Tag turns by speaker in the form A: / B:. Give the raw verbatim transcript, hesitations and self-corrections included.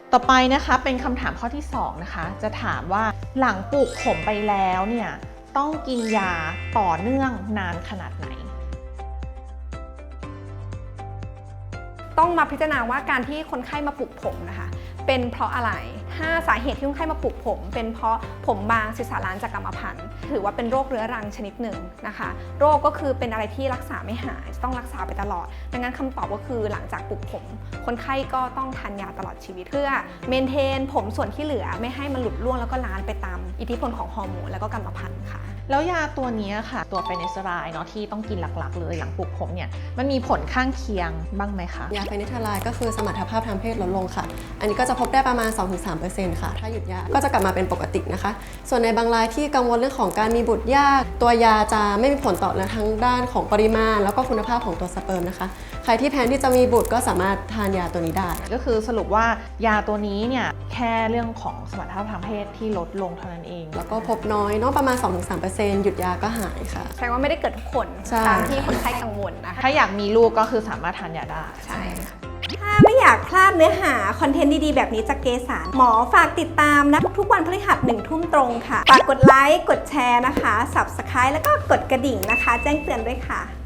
A: ต่อไปนะคะเป็นคำถามข้อที่สองนะคะจะถามว่าหลังปลูกผมไปแล้วเนี่ยต้องกินยาต่อเนื่องนานขนาดไหน
B: ต้องมาพิจารณาว่าการที่คนไข้มาปลูกผมนะคะเป็นเพราะอะไรถ้าสาเหตุที่คนไข้มาปลูกผมเป็นเพราะผมบางศีรษะล้านจากกรรมพันธุ์ถือว่าเป็นโรคเรื้อรังชนิดหนึ่งนะคะโรคก็คือเป็นอะไรที่รักษาไม่หายต้องรักษาไปตลอดดังนั้นคำตอบก็คือหลังจากปลูกผมคนไข้ก็ต้องทานยาตลอดชีวิตเพื่อเมนเทนผมส่วนที่เหลือไม่ให้มันหลุดร่วงแล้วก็ล้านไปตามอิทธิพลของฮอร์โมนแล้วก็กรรมพันธุ์ค่ะ
A: แล้วยาตัวนี้ค่ะตัวเฟเนสเทอไรด์เนาะที่ต้องกินหลักๆเลยหลังปลูกผมเนี่ยมันมีผลข้างเคียงบ้างไหมคะ
C: ยาเฟเนสเทอไรด์ก็คือสมรรถภาพทางเพศลดลงค่ะอันนี้ก็จะพบได้ประมาณ สองถึงสามเปอร์เซ็นต์ ค่ะถ้าหยุดยาก็จะกลับมาเป็นปกตินะคะส่วนในบางรายที่กังวลเรื่องของการมีบุตรยากตัวยาจะไม่มีผลต่อทั้งด้านของปริมาณแล้วก็คุณภาพของตัวสเปิร์มนะคะใครที่แพลนที่จะมีบุตรก็สามารถทานยาตัวนี้ได้
A: ก็คือสรุปว่ายาตัวนี้เนี่ยแค่เรื่องของสมรรถภาพทางเพศที่ลดลงเท่านั้นเอง
C: แล้วก็พบน้อยเนาะประมาณ สองถึงสามเปอร์เซ็นต์ หยุดยาก็หายค่ะ
B: แสดงว่าไม่ได้เกิดทุกคนตามที่คนไข้กังวลนะคะ
A: ถ้าอยากมีลูกก็คือสามารถทานยาได้
B: ใช่ถ้าไม่อยากพลาดเนื้อหาคอนเทนต์ดีๆแบบนี้จากเกสรหมอฝากติดตามนะทุกๆวันพฤหัสหนึ่งทุ่มตรงค่ะฝากกดไลค์กดแชร์นะคะ ซับสไครบ์ แล้วก็กดกระดิ่งนะคะแจ้งเตือนด้วยค่ะ